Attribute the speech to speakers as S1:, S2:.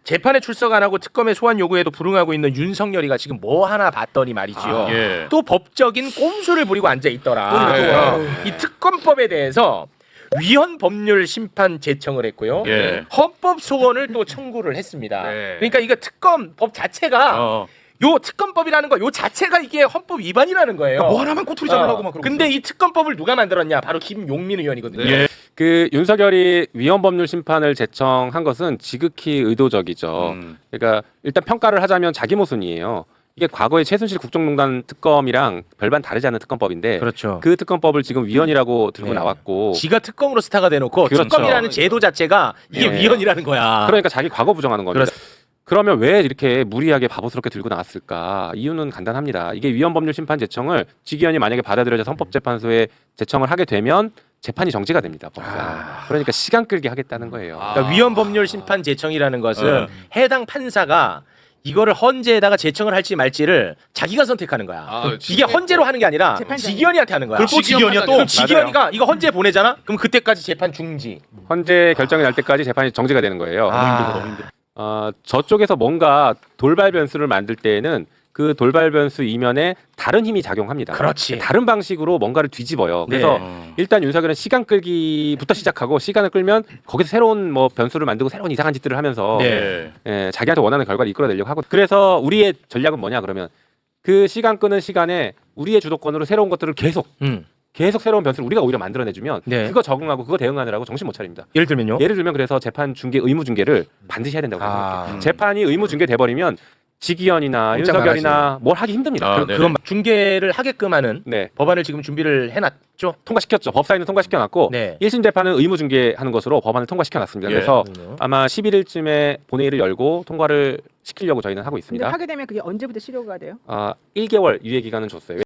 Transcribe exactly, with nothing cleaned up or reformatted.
S1: 재판에 출석 안 하고 특검의 소환 요구에도 불응하고 있는 윤석열이가 지금 뭐 하나 봤더니 말이지요.
S2: 아, 예.
S1: 또 법적인 꼼수를 부리고 앉아 있더라.
S2: 아,
S1: 이 특검법에 대해서 위헌 법률 심판 제청을 했고요.
S2: 예.
S1: 헌법 소원을 또 청구를 했습니다.
S2: 네.
S1: 그러니까 이거 특검법 자체가
S2: 어.
S1: 요 특검법이라는 거 요 자체가 이게 헌법 위반이라는 거예요.
S2: 뭐 하나만 꼬투리 잡으려고
S1: 어.
S2: 막 그러고.
S1: 근데 이 특검법을 누가 만들었냐? 바로 김용민 의원이거든요.
S2: 예.
S3: 그 윤석열이 위헌법률 심판을 제청한 것은 지극히 의도적이죠.
S2: 음.
S3: 그러니까 일단 평가를 하자면 자기 모순이에요. 이게 과거의 최순실 국정농단 특검이랑 별반 다르지 않은 특검법인데
S1: 그렇죠.
S3: 그 특검법을 지금 위헌이라고 들고
S1: 네.
S3: 나왔고
S1: 지가 특검으로 스타가 돼놓고
S3: 그렇죠.
S1: 특검이라는 제도 자체가 이게
S3: 네.
S1: 위헌이라는 거야.
S3: 그러니까 자기 과거 부정하는 겁니다.
S1: 그렇-
S3: 그러면 왜 이렇게 무리하게 바보스럽게 들고 나왔을까? 이유는 간단합니다. 이게 위헌법률 심판 제청을 지기현이 만약에 받아들여져서 헌법재판소에 제청을 하게 되면 재판이 정지가 됩니다. 법상.
S1: 아.
S3: 그러니까 시간 끌게 하겠다는 거예요.
S2: 아.
S1: 그러니까 위헌 법률 심판 제청이라는 것은
S2: 어.
S1: 해당 판사가 이거를 헌재에다가 제청을 할지 말지를 자기가 선택하는 거야.
S2: 아,
S1: 이게 헌재로 하는 게 아니라
S4: 재판장이.
S1: 지기현이한테 하는 거야.
S2: 그걸 또 지기현이야 또?
S1: 그럼 지기현이가 이거 헌재 보내잖아. 그럼 그때까지 재판 중지.
S3: 헌재 결정이 날 때까지 재판이 정지가 되는 거예요.
S1: 아.
S3: 어, 저쪽에서 뭔가 돌발 변수를 만들 때에는 그 돌발 변수 이면에 다른 힘이 작용합니다.
S1: 그렇지.
S3: 다른 방식으로 뭔가를 뒤집어요. 그래서
S2: 네.
S3: 일단 윤석열은 시간 끌기부터 시작하고 시간을 끌면 거기서 새로운 뭐 변수를 만들고 새로운 이상한 짓들을 하면서
S1: 네.
S3: 예, 자기한테 원하는 결과를 이끌어내려고 하고 그래서 우리의 전략은 뭐냐 그러면 그 시간 끄는 시간에 우리의 주도권으로 새로운 것들을 계속
S1: 음.
S3: 계속 새로운 변수를 우리가 오히려 만들어내주면
S1: 네.
S3: 그거 적응하고 그거 대응하느라고 정신 못 차립니다.
S1: 예를 들면요.
S3: 예를 들면 그래서 재판 중계 의무 중계를 반드시 해야 된다고
S1: 아.
S3: 생각해요. 재판이 의무 중계 돼 버리면 지기현이나
S1: 꼼짝
S3: 윤석열이나 뭘 하기 힘듭니다.
S2: 아,
S1: 그,
S2: 네네.
S1: 그건 중계를 하게끔 하는
S3: 네.
S1: 법안을 지금 준비를 해놨죠.
S3: 통과시켰죠. 법사위는 통과시켜놨고
S1: 네.
S3: 일 심 재판은 의무 중계하는 것으로 법안을 통과시켜놨습니다.
S2: 예.
S3: 그래서
S1: 그럼요.
S3: 아마 십일 일쯤에 본회의를 열고 통과를 시키려고 저희는 하고
S4: 근데
S3: 있습니다.
S4: 하게 되면 그게 언제부터 실효가 돼요?
S3: 아, 일 개월 유예 기간은 줬어요.